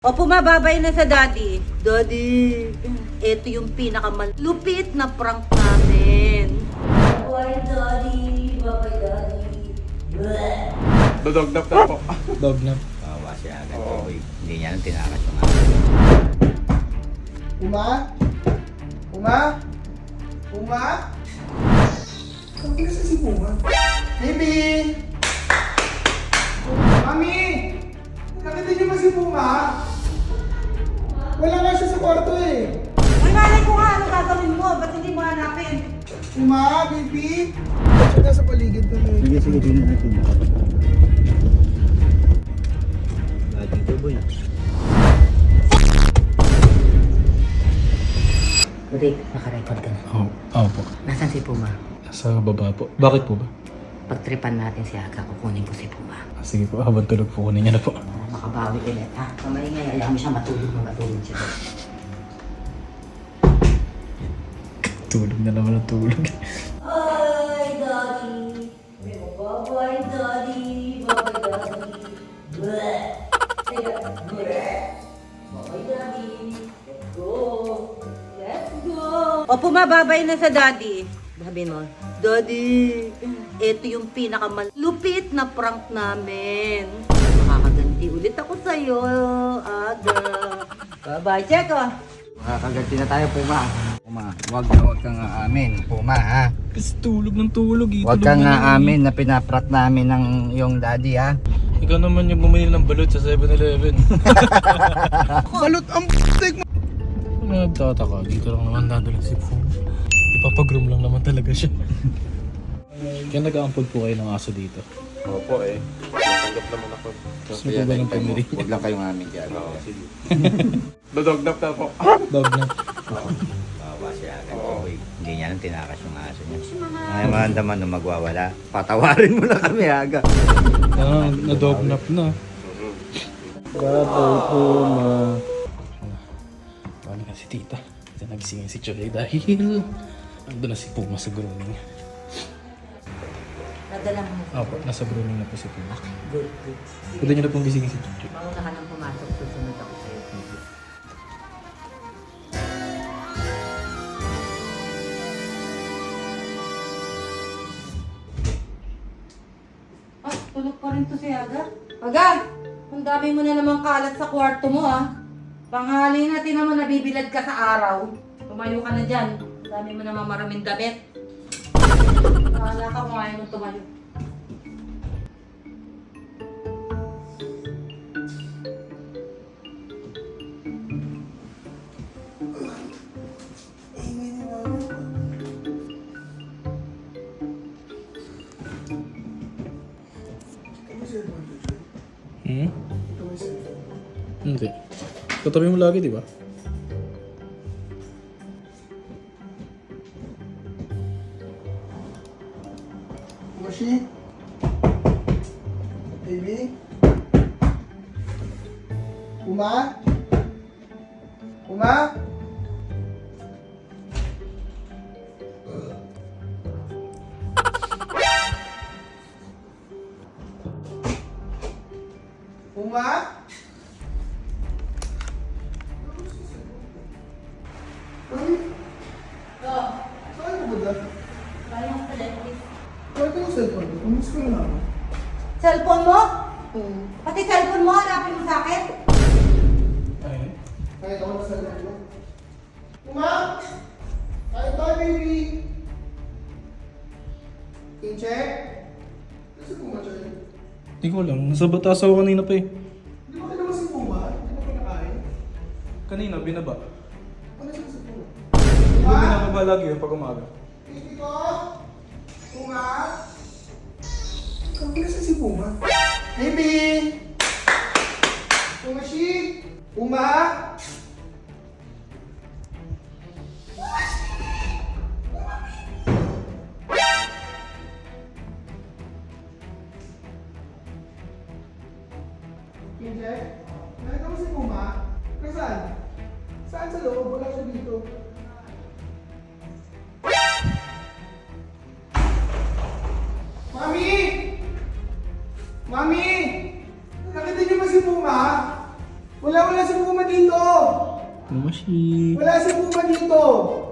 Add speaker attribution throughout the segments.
Speaker 1: O pumababay na sa daddy. Daddy, ito yung pinakamalupit na prank namin. Bye daddy, bye daddy.
Speaker 2: Dodognap na po.
Speaker 3: Dognap.
Speaker 4: Bawa siya agad. Hindi niya lang tinakas yung
Speaker 5: Uma? Uma? Uma? Saan ka sa si Uma? Baby! Mami! Nakita niyo ba si Puma? Wala nga siya sa kwarto eh.
Speaker 1: Ay, malay ko nga, ano gagawin mo? Ba't hindi mo hanapin?
Speaker 5: Uma, baby! Ba't siya nasa paligid ko eh?
Speaker 4: Sige, tingnan natin. Dito boy.
Speaker 6: Rick, nakarecord ka na.
Speaker 3: Oo po.
Speaker 6: Nasaan si Puma?
Speaker 3: Sa baba po. Bakit po ba?
Speaker 6: Pagtripan natin si Aga, kukunin ko si Puma.
Speaker 3: Sige po, habang tulog po, kunin niya na po.
Speaker 6: Makabawi ulit, ha? Kamaingay, ayaw mo siya matulog siya.
Speaker 3: Tulog na naman ang tulog.
Speaker 1: Ay, daddy. Bye daddy, bye daddy. Bleh. Bleh. Bye daddy. Let's go. Let's go. O pumababay na sa daddy. Sabihin mo, Daddy, ito yung pinakamalupit na prank namin. Makakaganti ulit ako sa'yo, Aga. Bye-bye, Cheko.
Speaker 4: Makakaganti na tayo, Puma. Puma, huwag kang aamin, Puma, ha?
Speaker 3: Kasi tulog ng tulog eh.
Speaker 4: Huwag kang aamin na pinaprat namin ng yung daddy, ha?
Speaker 3: Ikaw naman yung bumili ng balot sa 7-Eleven.
Speaker 5: Balot ang p***tik mo!
Speaker 3: Nagtataka, dito lang naman dadalhin si Pum. Ipapag-room lang naman talaga siya. Kaya nag-aampod po kayo ng aso dito.
Speaker 2: Opo eh. Natanggap naman ako.
Speaker 3: Gusto po ba ng pamili?
Speaker 4: Huwag lang kayong amin dyan.
Speaker 2: Oo, sige. Dodognap na po.
Speaker 3: Dognap.
Speaker 4: Bawa siya agad. Hindi niya lang tinakas yung aso niya. Ngayon mahandaman na magwawala. Patawarin mo na kami, Aga.
Speaker 3: Ah, na-dognap na. Babay po, ma. Paano ka si tita? Ito nagisingin si Choy dahil ando na si Puma sa grooming.
Speaker 1: Nadala mo.
Speaker 3: Opo, nasa grooming na po si Puma.
Speaker 1: Good, good.
Speaker 3: Pwede niyo na pong gisingin si Choy.
Speaker 1: Mauna ka nang pumasok, susunod ako sa'yo. Ah, tulog pa rin to si Aga. Aga! Ang dami mo na namang kalat sa kwarto mo, ah. Panghali na, tinan mo nabibilad ka sa araw. Tumayo ka na dyan. Ang dami mo namang maraming damit. Kala ka kung ayaw mo tumayo.
Speaker 3: Hmm? Hindi. Katabi mo lagi, di ba?
Speaker 5: Mashi? Baby? Uma? Uma? Uma? Mami,
Speaker 1: Oh,
Speaker 5: saan ka ba da?
Speaker 1: kaya mo pala, please.
Speaker 5: Bakit yung cellphone ko? Umis ko na ako.
Speaker 1: Cellphone mo? Pati cellphone mo, hanapin mo sa akin?
Speaker 3: Ay.
Speaker 5: Kahit ako na cellphone ko. Uma? Kahit tayo, baby! King check? Kasi Puma siya yun.
Speaker 3: Hindi ko alam. Nasa batas ako kanina pa eh.
Speaker 5: Di ba kailangan si Puma? Di ba pinakain?
Speaker 3: Kanina, binaba.
Speaker 5: Ano siya si Puma?
Speaker 3: Hindi ko
Speaker 5: Puma?
Speaker 3: binababa lagi yun pag umaga.
Speaker 5: Baby ko? Puma? Kami kasi si Puma. Baby! Puma si? Puma? Kinje? Nakita mo si Puma? Nasaan? Saan sa loob? Wala siya dito. Mami! Mami! Nakita niyo ba si Puma? Wala si Puma dito!
Speaker 3: Mashi.
Speaker 5: Wala si Puma dito!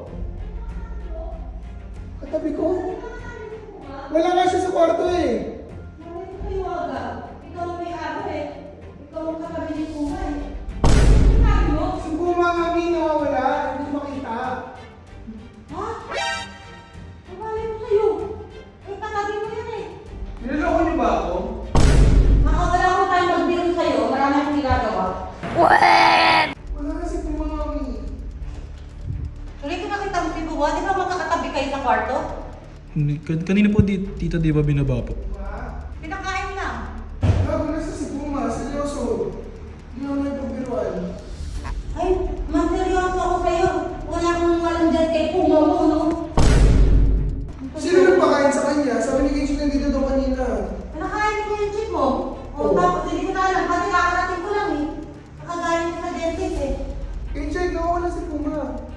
Speaker 5: Katabi ko. Wala nga siya sa kwarto eh.
Speaker 1: Ay, Aga. Ikaw ang may araw eh. Ikaw ang katabi ni Puma eh.
Speaker 5: Si Puma mami nawawala. Hindi ko makita.
Speaker 1: Ha? Mabali mo sa'yo. Ay, katabi mo yan eh.
Speaker 5: Niloloko niyo ba ako?
Speaker 1: Makawala ko tayo magbiro sa'yo. Marami akong ginagawa.
Speaker 5: Wala nga si Puma mami.
Speaker 1: Tuloy ko nakita mo si Puma. Di ba magkakatabi kayo sa kwarto?
Speaker 3: Kanina po tita di ba binaba po?
Speaker 1: Pinakain lang.
Speaker 5: Gago na sa si Puma. Seryoso. Hindi ako nagpabiruan.
Speaker 1: Ay, mas seryoso ako sa'yo. Wala akong alam dyan kay Puma mo, no?
Speaker 5: Sino nagpakain sa kanya? Sabi ni Kenji nandito daw kanina.
Speaker 1: Nakain ko yung chip mo. O,
Speaker 5: Oo.
Speaker 1: tapos hindi ko na alam. Kasi kakarating ko lang eh. Nakagaling ko sa dentist eh.
Speaker 5: Kenji, nawawala si Puma.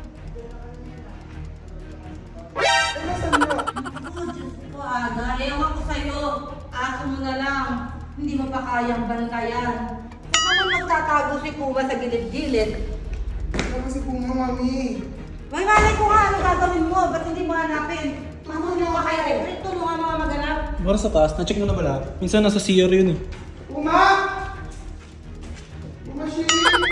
Speaker 5: Ay, nasaan niya?
Speaker 1: Oh, Diyos ko, Aga. Ewan ko sa'yo. Aso mo na lang. Hindi mo pa kayang bantayan. Saan naman magtatago si Puma sa gilid-gilid?
Speaker 5: Wala si Puma mami.
Speaker 1: May malay ko nga ano gagawin mo. Ba't hindi mo hanapin? Mamulong ka kaya eh. Tulungan mo nga maganap.
Speaker 3: Para sa taas, na-check mo na ba lahat? Minsan nasa CR yun eh.
Speaker 5: Puma! Puma, Shi!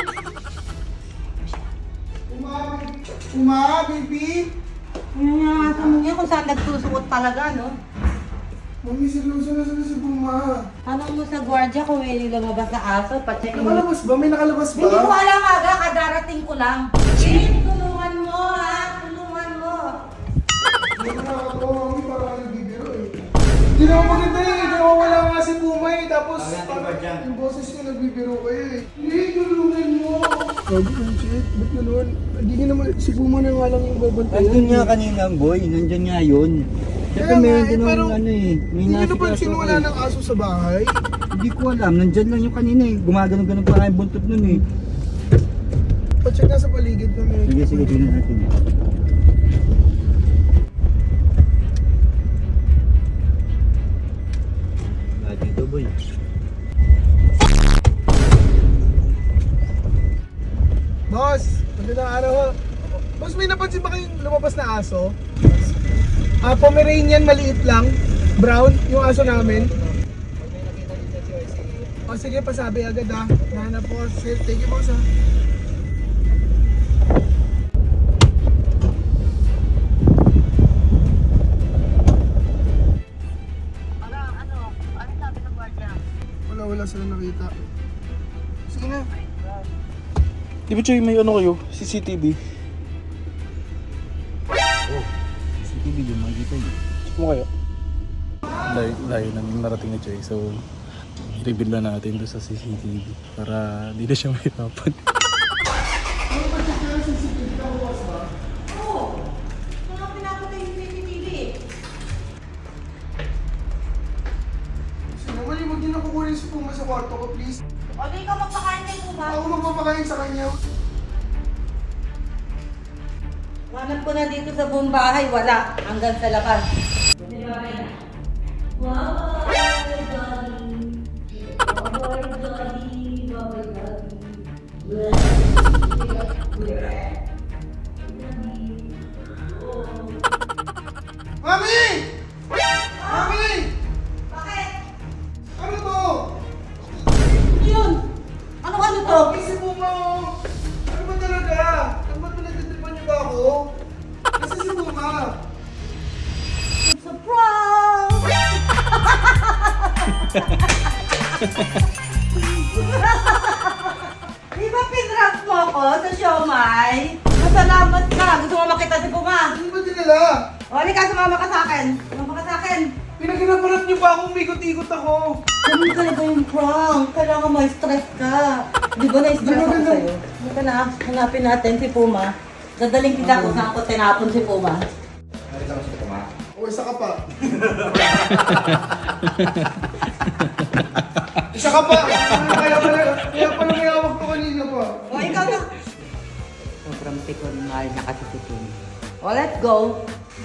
Speaker 5: Puma, baby!
Speaker 1: Ano nga aso mo niya kung saan nagsusuot talaga, no?
Speaker 5: Mami, seryoso na sila si Puma.
Speaker 1: Tanong mo sa gwardiya kung may lumabas na aso. Pacheck mo.
Speaker 5: Nakalabas ba? May nakalabas ba?
Speaker 1: Hindi ko alam Aga. Kadarating ko lang. Jane, tulungan mo ha. Tulungan mo.
Speaker 5: Hindi ko nakakatawa, mami, parang nagbibiro eh. Hindi naman maganda eh. Nawawala nga si Puma eh. Tapos parang yung boses niya nagbibiro kayo eh. Hindi, tulungan mo. Sabi ko, shit, ba't gano'n? Hindi nga naman, si Puma na nga lang yung babantayan.
Speaker 4: Nandun nga kanina, boy. Nandyan nga yun. Siyempre
Speaker 5: Kaya nga,
Speaker 4: meron
Speaker 5: eh,
Speaker 4: din
Speaker 5: pero
Speaker 4: ng ano eh. May
Speaker 5: Hindi nyo
Speaker 4: nasa
Speaker 5: napansin wala ng aso sa bahay?
Speaker 4: Hindi ko alam. Nandyan lang yung kanina eh. Gumagano-gano pa yung buntot nun eh.
Speaker 5: Pacheck nga sa paligid kami.
Speaker 4: Sige, sige. Tingnan natin. Wala dito, boy.
Speaker 5: Boss, magandang araw ho. Boss, may napansin ba kayong lumabas na aso? Pomeranian, maliit lang. Brown, yung aso namin. O sige, pasabi agad ha. Nahanap po. Sige, thank you boss ha. Wala sila nakita. Sige na.
Speaker 3: Di ba Choy, may ano kayo? CCTV?
Speaker 4: CCTV yung makikita yun.
Speaker 3: Check mo kayo? Layo na narating ni Choy. So, i-reveal na natin doon sa CCTV para di na siya mahirapan.
Speaker 1: Oo. Kaya pinapatay yung CCTV eh.
Speaker 5: Sino naman yung huwag niyo na kukunin si Puma sa kwarto ko, please.
Speaker 1: O, di ikaw magpakain kay Puma.
Speaker 5: Ako magpapakain sa kanya.
Speaker 1: Hanap ko na dito sa buong bahay. Wala. Hanggang sa labas. Wow!
Speaker 5: Mami! Mami!
Speaker 1: Bakit?
Speaker 5: Ano to?
Speaker 1: Ano yun? Ano to?
Speaker 5: Mami, si Puma oh. Ano ba talaga? Ano ba pinagtitripan niyo ba ako? Kasi si Puma.
Speaker 1: It's a prank! Di ba pinrank mo ako sa siomay? Masalamat ka. Gusto mo makita si Puma?
Speaker 5: Ano ba dinala?
Speaker 1: O, halika, sumama ka sa akin. Sumama ka sa akin.
Speaker 5: Pinaginaparap niyo ba akong ikot-ikot ako?
Speaker 1: Ganun talaga yung prank. Kailangan may stress ka. Di ba na-stress ako sa'yo? Halika na, hanapin natin si Puma. Dadaling kita kung saan ko tinapon si Puma.
Speaker 4: Nakita mo si Puma?
Speaker 5: O, isa ka pa. Isa ka pa! Kaya pala may hawak ko kanina pa.
Speaker 1: O, ikaw na.
Speaker 6: Sobrang pikon, mahal na kasi si Puma.
Speaker 1: O, let's go.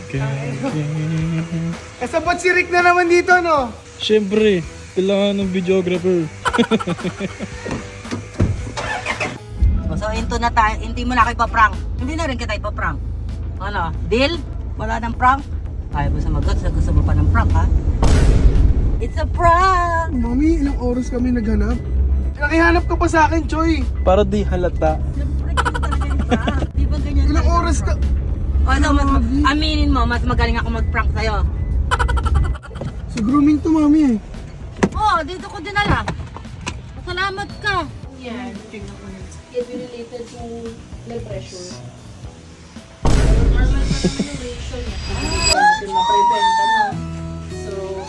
Speaker 5: Kasabot si Rick na naman dito, no?
Speaker 3: Siyempre, kailangan ng videographer.
Speaker 1: Kwento na tayo, hindi mo na kayo pa-prank. Hindi na rin kita ipaprank. Ano, deal? Wala ng prank? Ayaw mo sumagot, gusto mo pa ng prank, ha? It's a prank!
Speaker 5: Mami, ilang oras kami naghanap? Nakihanap ka pa sa akin, Choy.
Speaker 3: Para di halata.
Speaker 1: Siyempre, ganyan talaga yung prank. Di ba ganyan
Speaker 5: Ilang
Speaker 1: talaga
Speaker 5: oras ka?
Speaker 1: prank? Ano, aminin mo, mas magaling ako mag-prank sa'yo.
Speaker 5: Sa grooming to, Mami eh.
Speaker 1: Oo, dito ko dinala. Salamat ka.
Speaker 7: Yan. It related to blood pressure. Pero normal pa naman yung ratio niya. Hindi natin ma-prevent, ano. So,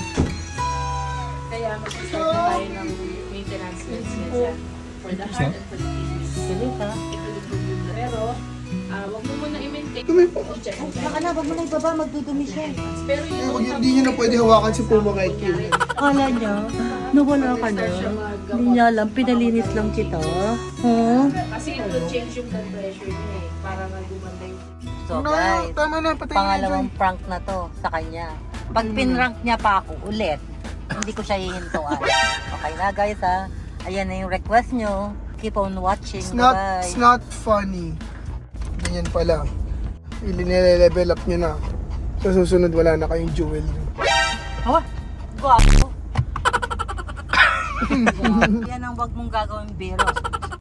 Speaker 7: kaya mag-start na tayo ng maintenance meds niya for the heart and for the kidneys.
Speaker 1: Galing ka.
Speaker 7: It will improve yung blood. Pero, wag mo muna i-maintain. I-check mo
Speaker 1: Baka na, wag mo na ibaba, magdudumi siya.
Speaker 7: Pero you
Speaker 5: Eh,
Speaker 7: don't have
Speaker 5: hindi nyo na pwede hawakan si Puma kahit kailan.
Speaker 1: Kala niya, nawala ka na. Hindi niya alam, pinalinis lang kita. Huh?
Speaker 7: Kasi it will change yung blood pressure niya eh. Para nga gumanda yung...
Speaker 1: So
Speaker 5: No,
Speaker 1: guys,
Speaker 5: tama na, patay na
Speaker 1: pangalawang prank na to sa kanya. Pag pinrank niya pa ako ulit, hindi ko siya hihintuan. Okay na guys ha. Ayan na yung request nyo. Keep on watching. Bye-bye.
Speaker 5: It's not funny. Ganyan pala. Nile-level up nyo na. Sa susunod, wala na kayong jewelry.
Speaker 1: Oh, guwapo. Yan ang wag mong gagawin biro.